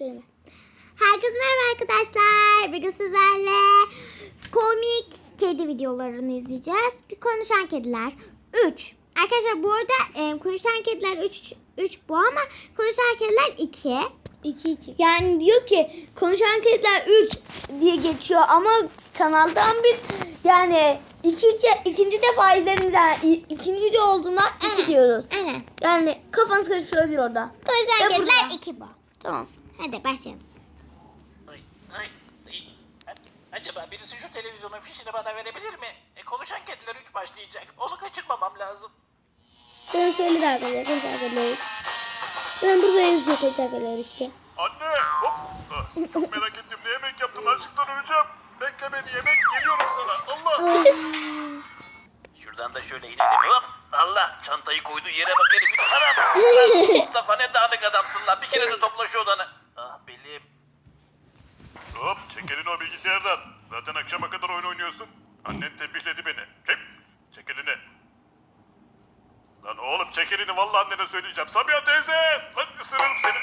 Söyleme. Herkese merhaba arkadaşlar. Bugün sizlerle komik kedi videolarını izleyeceğiz. Konuşan kediler 3. Arkadaşlar bu arada konuşan kediler 3 bu ama konuşan kediler 2. 2. Yani diyor ki konuşan kediler 3 diye geçiyor ama kanaldan biz yani ikinci defa izlerimizden ikinci de olduğundan 2 diyoruz. Evet. Yani kafanız karışıyor olabilir orada. Konuşan Ve kediler burada. 2 bu. Tamam. Hadi başlayalım. Ay. Acaba birisi şu televizyonun fişini bana verebilir mi? Konuşan kediler 3 başlayacak. Onu kaçırmamam lazım. Ben söyledi arkadaşlar konuşan kediler 3. Ben burada yazıyor konuşan kediler 3'te. Anne, hop. Çok merak ettim. Ne yemek yaptın? Açlıktan öleceğim. Bekle beni, yemek geliyorum sana. Allah. Şuradan da şöyle inelim. Hop. Allah, çantayı koyduğu yere bak herif. Anam. Mustafa ne dağınık adamsın lan. Bir kere de topla şu odanı. Ah belim. Hop, çek elini o bilgisayardan. Zaten akşama kadar oyun oynuyorsun. Annen tembihledi beni. Çek elini. Lan oğlum çek elini, vallahi annene söyleyeceğim. Sabiha teyze! Lan ısırırım seni.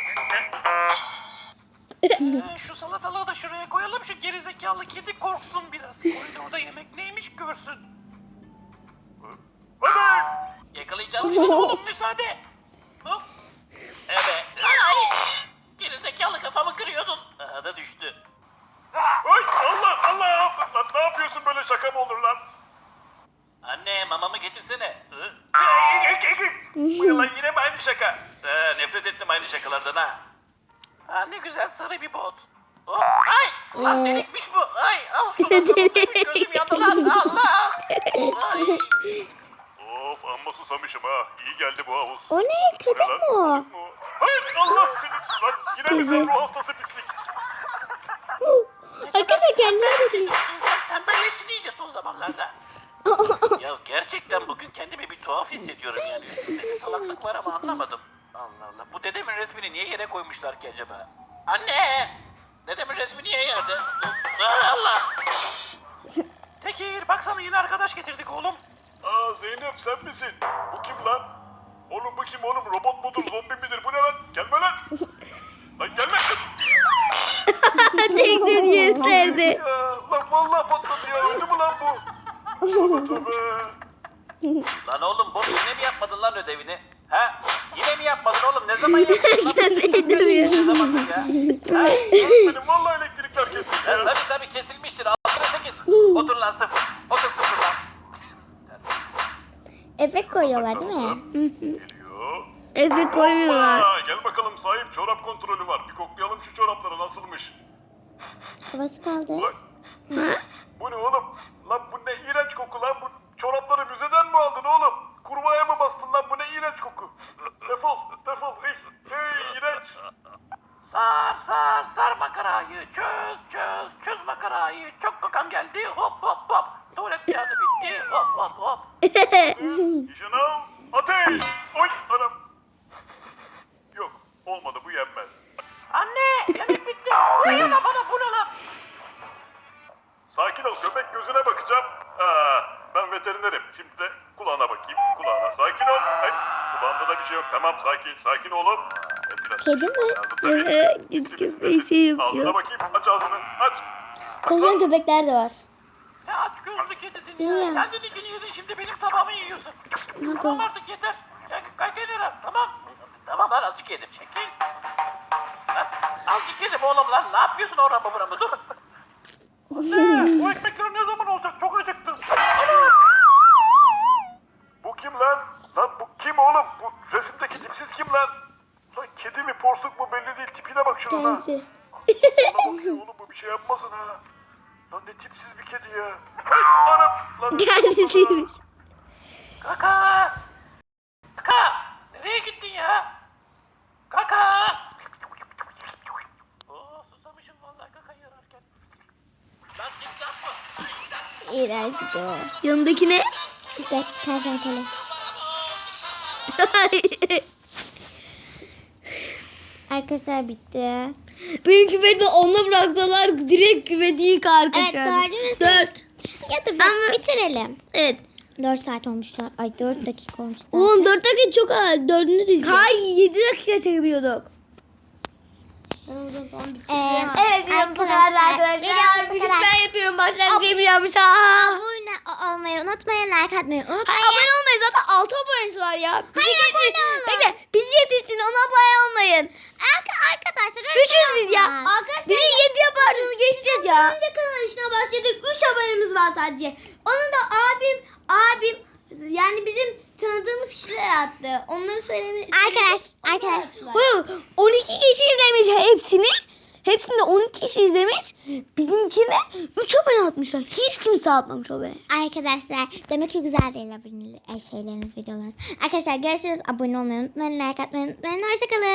Şu salatalığı da şuraya koyalım. Şu gerizekalı kedi korksun biraz. Koridorda yemek neymiş görsün. Hadi! Yakalayacağım seni oğlum, müsaade. Hop. Evet. Ay. Gerizekalı, kafamı kırıyordun. Aha da düştü. Ay Allah! Lan ne yapıyorsun, böyle şaka mı olur lan? Anne, mamamı getirsene. Bu ne lan, yine mi aynı şaka? Nefret ettim aynı şakalardan ha. Ha, ne güzel sarı bir bot. Oh, ay! Ulan delikmiş bu. Ay, al şunu, gözüm yandı lan. Allah! Ay. Of, amma susamışım ha. İyi geldi bu havuz. O ne? Köpek lan? mi o? Hayır, Allah seni. Lan yine mi sen ruh hastası pislik? Arkadaşlar kendine de İnsan tembelleşti iyice son zamanlarda. Ya gerçekten bugün kendimi bir tuhaf hissediyorum yani. Üstümde bir salaklık var ama anlamadım. Allah Allah. Bu dedemin resmini niye yere koymuşlar ki acaba? Anne! Dedemin resmi niye yerde? Allah! Tekir, baksana yine arkadaş getirdik oğlum. Aa Zeynep, sen misin? Bu kim lan? Oğlum bu kim oğlum? Robot mudur, zombi midir? Bu ne lan? Gelme lan! Lan gelme! tekrar yer serdi. Ya, lan vallahi patladı ya. Öldü mü lan bu? Tövbe. Lan oğlum, Bobby yine mi yapmadın lan ödevini? Ha? Yine mi yapmadın oğlum? Ne zaman yaptın lan? Ne zamandır ya? Ha? Benim vallahi elektrikler kesildi ya. Tabii kesilmiştir. 6'ya 8. Otur lan 0. Otur 0 lan. Efekt koyuyorlar değil mi? Geliyor. Efe koymuyorlar. Hoppa, gel bakalım sahip, çorap kontrolü var. Bir koklayalım şu çorapları, nasılmış? Havası kaldı. Ulan, bu ne oğlum? Lan bu ne iğrenç koku lan. Bu çorapları müzeden mi aldın oğlum? Kurbağaya mı bastın lan? Bu ne iğrenç koku. Defol. Hey iğrenç. Sar makarayı. Çöz makarayı. Çok kakam geldi. Hop. Tuvalet kağıdı bitti. Hop. Nişan al. Ateş. Oy anam. Yok, olmadı, bu yenmez. Anne, yemek bitti. Bu ne lan bana, bu ne lan? Sakin ol, köpek gözüne bakacağım. Ben veterinerim. Şimdi de kulağına bakayım. Kulağına. Sakin ol. Ay, kulağında da bir şey yok. Tamam, sakin oğlum. Biraz Kedi mi? lazım tabii. Git köpeği şey Ağzına yapıyor. bakayım. Aç ağzını. Aç. Konuşan köpekler de var. Ne aç gözlü kedisin Değil ya. mi? Kendininkini yedin, şimdi benim tabağımı yiyorsun. Tamam artık yeter. Kay kenara, tamam. Tamam lan, azıcık yedim. Çekil. Ha, azıcık yedim oğlum lan. Ne yapıyorsun orama buramı? Dur. Bu ekmekler ne zaman olacak? Çok acıktım. Bu kim lan? Lan bu kim oğlum? Bu resimdeki tipsiz kim lan? Lan kedi mi, porsuk mu belli değil. Tipine bak şuna lan. Kendisi. Bana bakıyor oğlum, bu bir şey yapmasın ha. Lan ne tipsiz bir kedi ya. Ay anam. Lan Kendisiymiş. Kaka! Nereye gittin ya? Kaka! Susamışım vallahi kakayı yararken. Lan timsah mı? İğrençti o. Yanındaki ne? İşte kertenkele. Arkadaşlar bitti. Benim küveti onunla bıraksalar direkt küveti yıkar Evet, kaçar. dördümüz de. 4. Ya da bitirelim. Evet. 4 saat olmuştu. Ay 4 dakika olmuştu. Oğlum 4 dakika çok az. 4'ünü de izleyelim. Hayır 7 dakika çekebiliyorduk. Evet diyorum bu kadar arkadaşlar. videomuz bu Bir kadar. ben yapıyorum başlangıcı yapıyormuş. Abone olmayı unutmayın, like atmayı unutmayın. Abone olmayın zaten 6 abonesi var ya. Hayır, abone olun. Bekle bizi yetiştin ona abone olmayın. Arkadaşlar Üçüz biz ya. Arkadaşlar Bizi 7 yaparsınız geçeceğiz ya. önce kanal işine başladık. 3 abonemiz var sadece. Onu da abim yani bizim tanıdığımız kişiler attı. Onları söylemeyi... Arkadaş. 12 kişi izlemiş hepsini. Hepsinde 12 kişi izlemiş. Bizimkine 3 abone atmışlar. Hiç kimse atmamış abone. Arkadaşlar demek ki güzel değil abone şeyleriniz, videolarınız. Arkadaşlar görüşürüz. Abone olmayı unutmayın, like atmayı unutmayın. Hoşçakalın.